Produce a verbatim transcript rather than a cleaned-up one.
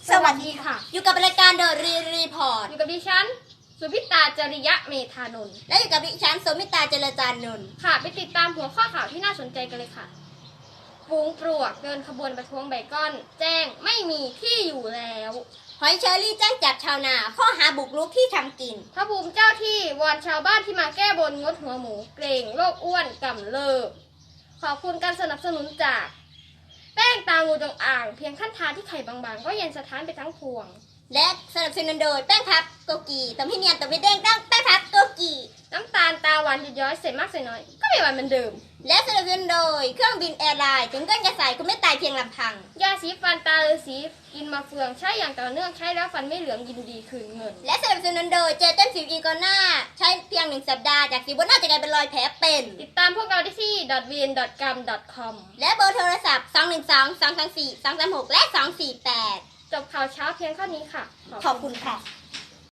สวัสดีค่ะอยู่กับรายการเดอะรีรีพอร์ตอยู่กับดิฉันสุพิตาจริยะเมธานนท์และอยู่กับดิฉันสมิตาเจริญจานนท์ค่ะไปติดตามหัวข้อข่าวที่น่าสนใจกันเลยค่ะฝูงปลวกเดินขบวนประท้วงไบคอนแจ้งไม่มีที่อยู่แล้วหอยเชอรี่แจ้งจับชาวนาข้อหาบุกรุกที่ทำกินพระภูมิเจ้าที่วอนชาวบ้านที่มาแก้บนงดหัวหมูเกรงโรคอ้วนกำเริบขอบคุณการสนับสนุนจากแป้งตางูจงอ่างเพียงขั้นทาที่ไข่บางๆก็เย็นสะท้านไปทั้งพวงและสนับสนุนโดยแป้งพับโกกีตำพี่เนียนตำพี่เด้งตั้งแป้งพับโกกีน้ำตาลตาหวานหยุดย้อยเสร็จมากเสร็จน้อยก็ไม่หวานเหมือนเดิมและสนับสนุนโดยเครื่องบินแอร์ไลน์ถึงก้นกระสายคุณไม่ตายเพียงลำพังยาสีฟันตาฤาษีกินมาเฟืองใช้อย่างต่อเนื่องใช้แล้วฟันไม่เหลืองยินดีคืนเงินและสนับสนุนโดยเจลเต้นสิวอีโกน่าใช้เพียงหนึ่งสัปดาห์จากสิวบนหน้าจะกลายเป็นรอยแผลเป็นติดตามพวกเราได้ที่ ดอท วี เอ็น ดอท กัม ดอท คอมและเบอร์โทรศัพท์สอง หนึ่ง สอง สอง สอง สี่ สอง สาม หกและสอง สี่ แปดจบข่าวเช้าเพียงเท่านี้ค่ะขอบคุณค่ะ